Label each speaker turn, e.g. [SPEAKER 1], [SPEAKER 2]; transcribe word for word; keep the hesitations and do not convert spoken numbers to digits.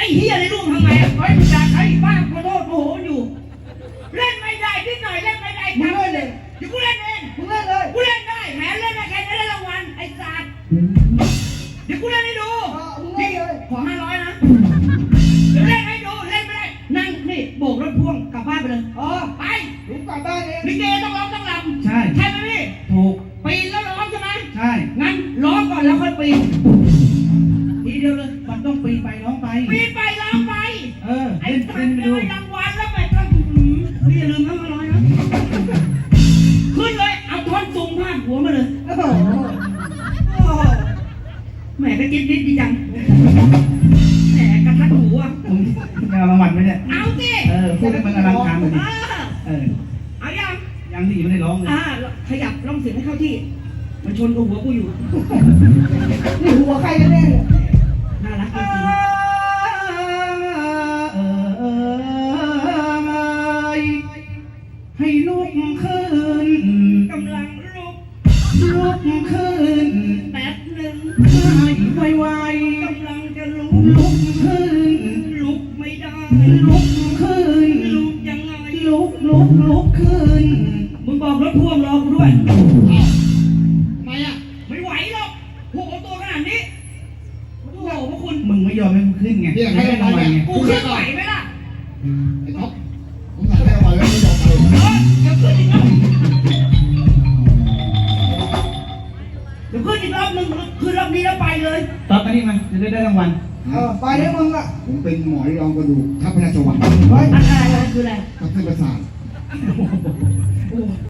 [SPEAKER 1] เฮียในรูปทำไงอ่ะเฮ้ยมึงอยากใช้บ้าขอโทษโมโหอยู่เล่นไม่ได้นิดหน่อยเล่นไม่ได้ทำเลยเดี๋ยวกูเล่นเองกูเล่นเลยกูเล่นได้แหมเล่นได้แค่นี้ได้รางวัลไอ้สัตว์เดี๋ยวกูเล่นให้ดูนี่ขอห้าร้อยนะเดี๋ยวเล่นให้ดูเล่นไม่ได้นั่งนี่โบกรถพ่วงกลับบ้านไปเลยอ๋อไปลุกกลับบ้านเองลิเกต้องร้องต้องรำใช่ใช่ไหมพี่ถูกปีนแล้วร้องใช่ไหมใช่งั้นร้องก่อนแล้วค่อยปีนทีเดียวเลยมันต้องปีนไปร้องไปปีนไปร้องไปเออไอ้สัตว์ได้รางวัลแล้วไปก็พี่อย่าลืมนะห้าร้อยนะขึ้นเลยเอาท่อนสูงพาดหัวมาเลยโอ้โหแหมกระจิ๊บนิดดีจังแหมกระทัดหูอ่ะ
[SPEAKER 2] มึงเอารางวัลไหมเนี่ย
[SPEAKER 1] เอาสิ
[SPEAKER 2] เออพูดให้มันอลังการหน่อยดิเออ
[SPEAKER 1] เอายัง
[SPEAKER 2] ยังที่ไม่ได้ร้องเลย
[SPEAKER 1] อ่าขยับร้องเสียงให้เข้าที่มันชนกับหัวกูอยู่
[SPEAKER 3] นี่หัวใครกันแน่เนี่ย
[SPEAKER 1] น่ารักจริง
[SPEAKER 2] ให้ลุกขึ้น
[SPEAKER 1] กำลังลุก
[SPEAKER 2] ลุกขึ้น
[SPEAKER 1] แป๊บหนึ่ง
[SPEAKER 2] ให้ไว
[SPEAKER 1] ๆกำลังจะลุก
[SPEAKER 2] ลุกขึ้น
[SPEAKER 1] ลุกไม่ได้
[SPEAKER 2] ลุกขึ้น
[SPEAKER 1] ลุกยังไง
[SPEAKER 2] ลุกลุกลุกขึ้น
[SPEAKER 1] มึงบอกรถพ่วงรอกูด้วย
[SPEAKER 3] ทำไมอ่ะ
[SPEAKER 1] ไม่ไหวหรอกโหตัวขนาดนี้โอ้โหพวกคุณ
[SPEAKER 2] มึงไม่ยอมให้กูขึ้นไง
[SPEAKER 3] ให้ได้รางวัลไง
[SPEAKER 1] กูขึ้นไหวไหมล่ะ
[SPEAKER 3] ไอ้ท็อปผมสั่งให้รางวัลแล้วไม่ยอมเลย
[SPEAKER 1] เดี๋ยวขึ้นอีกรอบเดี๋ยวขึ้นอีกรอบหนึ่งขึ้นรอบนี้แล้วไปเลย
[SPEAKER 2] ตอบกันนี่มาจะได้ได้รางวัล
[SPEAKER 3] เออไปได้มึงอ่ะผมเป็นหมอรองกระดูกทัพพระราชวัง
[SPEAKER 1] อะไรอะไรคืออะไร
[SPEAKER 3] ทัพเส้นประสาท